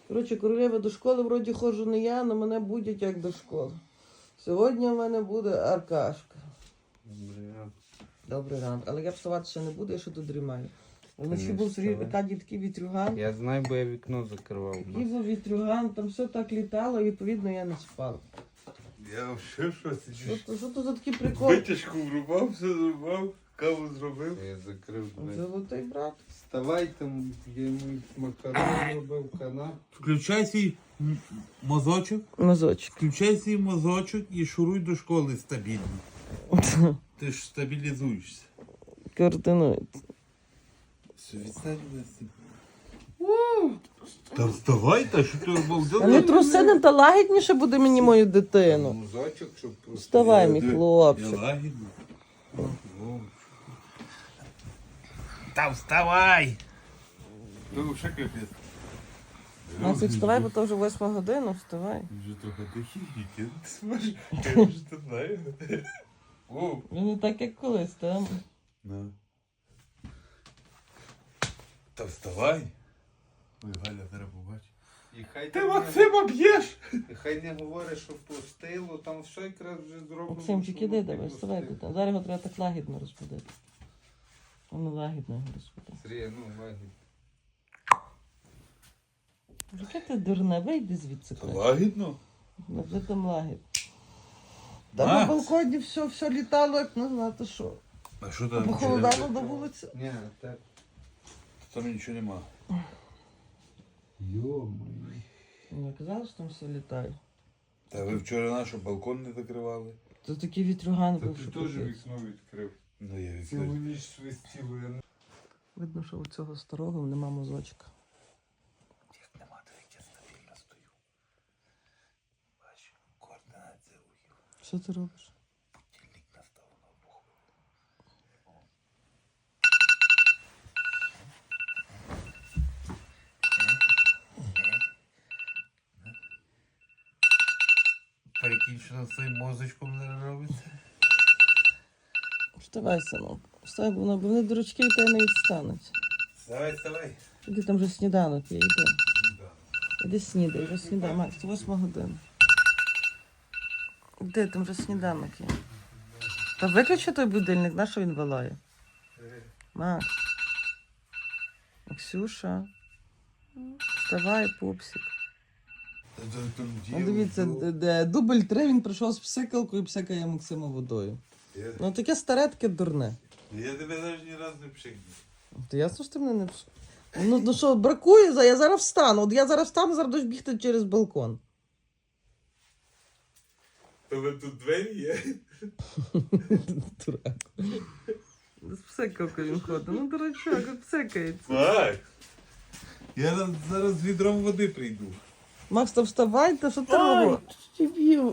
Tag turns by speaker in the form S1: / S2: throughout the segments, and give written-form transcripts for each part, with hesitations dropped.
S1: Коротше, королева, до школи вроді ходжу не я, але мене будять як до школи. Сьогодні в мене буде Аркашка.
S2: Добрий ранок.
S1: Добрий ранок. Але я вставати ще не буду, я ще тут дрімаю. Вночі
S2: не
S1: був
S2: вставай.
S1: Аркадій такий вітрюган.
S2: Я знаю, бо я вікно закривав.
S1: Такий був вітрюган, там все так літало, і відповідно я не спав.
S3: Я взагалі щось.
S1: Що то за такий прикол?
S3: Витяжку врубав, все зрубав, каву зробив.
S2: Я закрив двері.
S1: Золотий брат.
S2: Вставай там, я йому макарон робив, канап.
S3: Включай свій мозочок,
S1: Мазочок.
S3: включай свій мозочок і шуруй до школи стабільно. Ти ж стабілізуєшся.
S1: Координується.
S3: Все, відстань Лесі. Та вставай, та що ти обалдела?
S1: А не трусини та лагідніше буде мені мою дитину.
S2: Мозочок, щоб просто...
S1: Вставай, мій
S3: Я
S1: хлопчик.
S3: лагідно. Та вставай! Ну, ще капець.
S1: Максик, вставай, бо то вже 8 година, вставай.
S3: Вже трохи тихий, ти зможеш. Я вже тут знаю. О,
S1: Ну не так, як колись, там.
S3: на. Та вставай. Ой, Галя, зараз побачить.
S2: І хай
S3: Ти
S2: там
S3: Максима б'єш!
S2: І хай не говорить, що пустило, там все якраз вже зроблено.
S1: Максимчик,
S2: що
S1: іди,
S2: воно
S1: давай,
S2: не
S1: вставай.
S2: пустило.
S1: Дитина. Зараз його треба так лагідно розбудити. Воно лагідно його розбудити.
S2: Сергій, ну, лагідь.
S1: Яке ти дурне, вийди звідси.
S3: Лагідно?
S1: Ну, вже там лагід. Та на
S3: Макс.
S1: балконі все літало, як не знати що.
S3: А що там?
S1: Похолодало до вулиці.
S2: Ні, так.
S3: Там нічого нема.
S2: Йо-моє.
S1: Не казали, що там все літає.
S3: Та ви вчора наш балкон не закривали?
S1: Це такий вітрюган
S2: Та
S1: був,
S2: ти
S1: що
S2: теж
S1: капець.
S2: вікно відкрив.
S3: Ну я
S2: Цілу
S3: відкрив.
S2: ніч свистіло.
S1: Видно, що у цього старого нема мозочка.
S3: Як нема, то я стабільно стою. Бачу, координація рухів.
S1: Що ти робиш?
S3: Будильник настав на обуху. Прикинь, що з своїм мозочком зараз робиться.
S1: Вставай, синок. Вставай, бо вони дурачки від тебе не відстануть.
S3: Вставай, вставай.
S1: Іди, там вже сніданок є, іди. Іди снідай, вже снідай, Макс, 8 година. Іди, там вже сніданок є. Та виключи той будильник, на що він вилає? Макс. Максюша. Вставай, пупсик. Ну, дивіться, дубль 3 він прийшов з псикалкою і псикає Максима водою. Ну таке старе, таке дурне.
S3: Я тебе навіть ні разу не пшикнув.
S1: То ясно, що ти мене не пс... Ну що, бракує, я зараз встану. От я зараз встану, зараз будеш бігти через балкон.
S3: Тебе тут двері є?
S1: Дурак. З псикалкою він ходить. Ну, дурачок, от псикається.
S3: Так. Я зараз з відром води прийду.
S1: Макс, то вставай, та що ти робиш? Дебіл.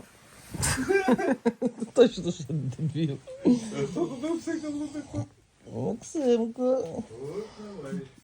S1: Точно, що дебіл.
S3: А хто туди псикав на таку?
S1: Максимко.
S3: От давай.